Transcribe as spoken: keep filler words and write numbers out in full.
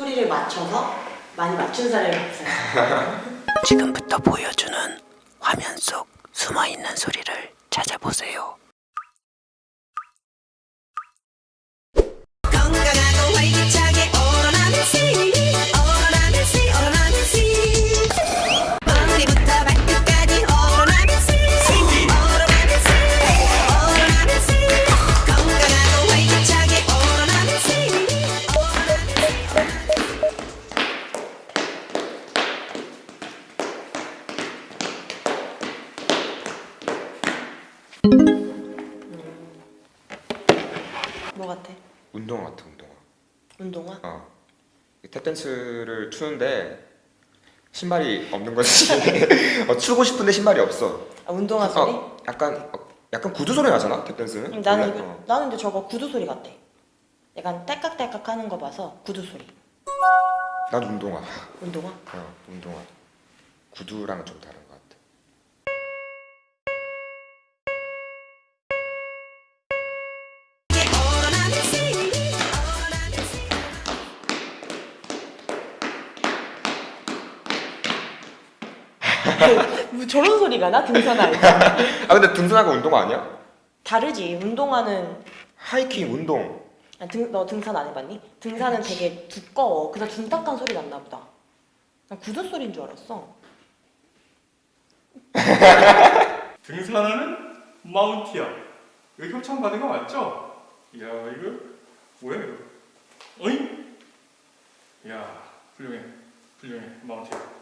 소리를 맞춰서 많이 맞춘 사람이 없어요. 지금부터 보여주는 화면 속 숨어있는 소리를 찾아보세요. 건강하고 활기차게 오로나민 씨, 오로나민 씨, 오로나민 씨. 머리부터 발끝까지 오로나민 씨, 오로나민 씨, 오로나민 씨. 건강하고 활기차게 오로나민 씨, 뭐 같아? 운동화 같아, 운동화. 운동화? 어. 탭댄스를 추는데 신발이 없는 거지. 어, 추고 싶은데 신발이 없어. 아, 운동화 소리? 어, 약간 어, 약간 구두 소리 나잖아, 탭댄스는. 음, 나는 원래? 그, 어. 나는 근데 저거 구두 소리 같아. 약간 딸깍딸깍 하는 거 봐서 구두 소리. 난 운동화. 운동화? 어, 운동화. 구두랑은 좀 다른 것 같아. 오로나민 씨, 오로나민 씨. 뭐 저런 소리가 나? 등산 알지? 아 근데 등산하고 운동화 아니야? 다르지. 운동화는 하이킹 운동. 아, 등, 너 등산 안 해봤니? 등산은 되게 두꺼워. 그래서 둔탁한 소리 났나 보다. 난 구두 소리인 줄 알았어. 등산하는 마운티어. 이거 협찬 받은 거 맞죠? 이야 이거 뭐야 이거? 어잉? 이야 훌륭해 훌륭해 마운티어.